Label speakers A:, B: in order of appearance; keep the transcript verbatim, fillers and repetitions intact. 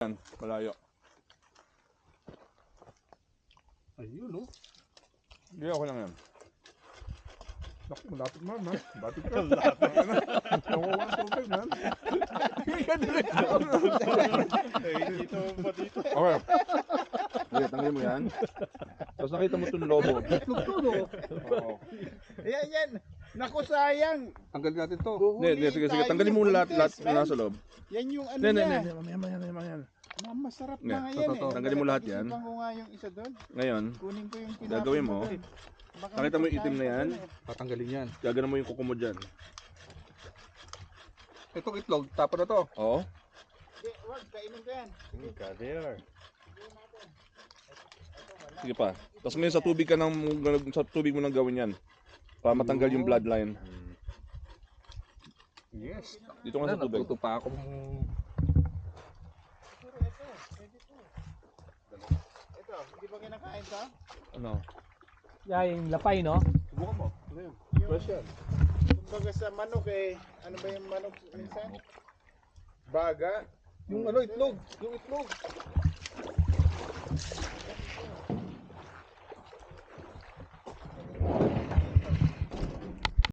A: Yan, malayo.
B: Ayun, no?
A: Hindi ako lang yan. Naku, malapit man, man. Batik ka.
B: Malapit.
A: Nakuha ng tubig, man.
B: Eh, dito pa dito.
A: Okay. Okay, tanggalin mo yan. Tapos nakita mo itong lobo.
C: Tugtog,
A: Oo.
C: Yan, yan. Naku, sayang.
A: Tanggalin natin to.
C: Huhulihin
A: Hindi, sige, sige.
C: tayo
A: Tanggalin mo
C: ng
A: lahat, lahat
C: buntis,
A: na
C: man.
A: nasa loob.
C: Yan yung ano
A: Hindi, hindi,
C: niya.
A: hindi. Mamaya, mamaya, mamaya, mamaya.
C: Ma- Masarap
A: Hindi,
C: na nga
A: to,
C: yan
A: to,
C: eh.
A: to. Tanggalin mo lahat yan.
C: Pag-isipan ko nga yung isa doon.
A: Ngayon,
C: Kunin ko yung tinapon
A: gagawin mo.
C: doon. Baka
A: Nakita mo yung itim na
C: magkain
A: yan?
C: ka doon eh.
B: Tatanggalin yan.
A: gagana mo yung kuko mo dyan.
B: Itong itlog, tapo na to.
A: Oo.
C: Hindi, wag. Kainin ko yan.
B: Kader.
A: Sige pa. Tapos ngayon sa tubig ka nang, sa tubig mo nang gawin yan. Para matanggal yung bloodline.
B: Yes.
A: Dito nga sa tubig.
B: Natuto pa akong...
C: Pero ito, pwede to. Ito, hindi ba kinakain to?
A: Ano?
D: Yeah, yung lapay, no?
A: Subukan mo. Ano yun?
C: Yung,
A: Fresh yan.
C: kumbaga sa manok eh. Ano ba yung manok minsan? Baga.
B: Yung ano, itlog. Yung itlog.